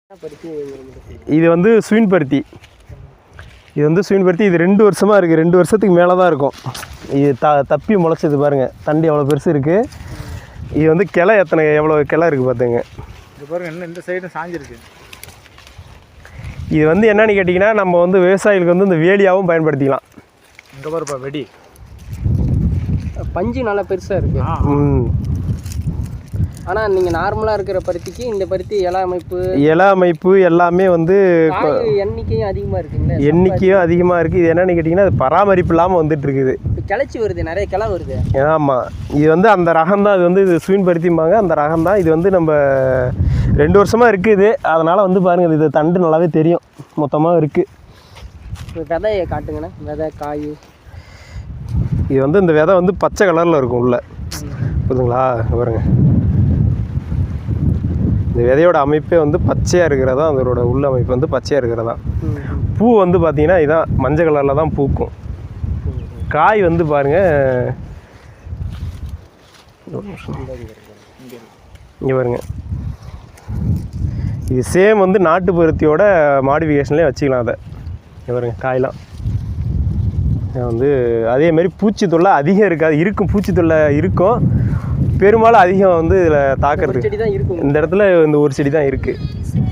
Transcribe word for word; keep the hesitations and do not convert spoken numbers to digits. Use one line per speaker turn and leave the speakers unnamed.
இது வந்து ஸ்வீன் பருத்தி. இது வந்து ஸ்வீன் பருத்தி. இது ரெண்டு வருஷமாக இருக்குது. ரெண்டு வருஷத்துக்கு மேலே தான் இருக்கும். இது த தப்பி முளைச்சது பாருங்கள். தண்டி எவ்வளோ பெருசு இருக்குது. இது வந்து கிளை எத்தனை எவ்வளோ கிளை இருக்குது பார்த்துங்க.
இது பாருங்கள் என்ன இந்த சைடு சாஞ்சிருக்கு.
இது வந்து என்னன்னு கேட்டிங்கன்னா நம்ம வந்து விவசாயிகளுக்கு வந்து இந்த வேலியாகவும் பயன்படுத்திக்கலாம்.
இங்கே பாருப்பா வெடி
பஞ்சு நல்லா பெருசாக இருக்குது.
ம்
ஆனால் நீங்கள் நார்மலாக இருக்கிற பருத்திக்கு இந்த பருத்தி இலை அமைப்பு
இலை அமைப்பு எல்லாமே வந்து
எண்ணிக்கையும் அதிகமாக இருக்குங்களா?
எண்ணிக்கையும் அதிகமாக இருக்குது. இது என்னென்னு கேட்டிங்கன்னா அது பராமரிப்பு இல்லாமல் வந்துட்டு இருக்குது.
இப்போ கிளச்சி வருது, நிறைய கிளை வருது.
ஆமாம், இது வந்து அந்த ரகம் தான். இது வந்து இது ஸ்வீன் பருத்திம்பாங்க. அந்த ரகம் தான். இது வந்து நம்ம ரெண்டு வருஷமாக இருக்குது. அதனால் வந்து பாருங்கள், இது தண்டு நல்லாவே தெரியும். மொத்தமாக இருக்குது.
விதையை காட்டுங்கண்ணே. விதை காய்
இது வந்து இந்த விதை வந்து பச்சை கலரில் இருக்கும் உள்ள. புரியுதுங்களா? பாருங்க, இந்த விதையோட அமைப்பே வந்து பச்சையாக இருக்கிறதா. அதோட உள்ள அமைப்பு வந்து பச்சையாக இருக்கிறதா. பூ வந்து பார்த்திங்கன்னா இதுதான் மஞ்சள் கலரில் தான் பூக்கும். காய் வந்து பாருங்கள், இங்கே பாருங்க. இது சேம் வந்து நாட்டு பருத்தியோட மாடிஃபிகேஷன்லேயே வச்சுக்கலாம். அதை இங்கே பாருங்க, காயெலாம் வந்து அதேமாரி பூச்சி தொல்லை அதிகம் இருக்காது. இருக்கும், பூச்சி தொல்லை இருக்கும். பெரும்பாலும் அதிகம் வந்து இதில் தாக்குறது
செடி தான் இருக்கும்.
இந்த இடத்துல இந்த ஒரு செடி தான் இருக்குது.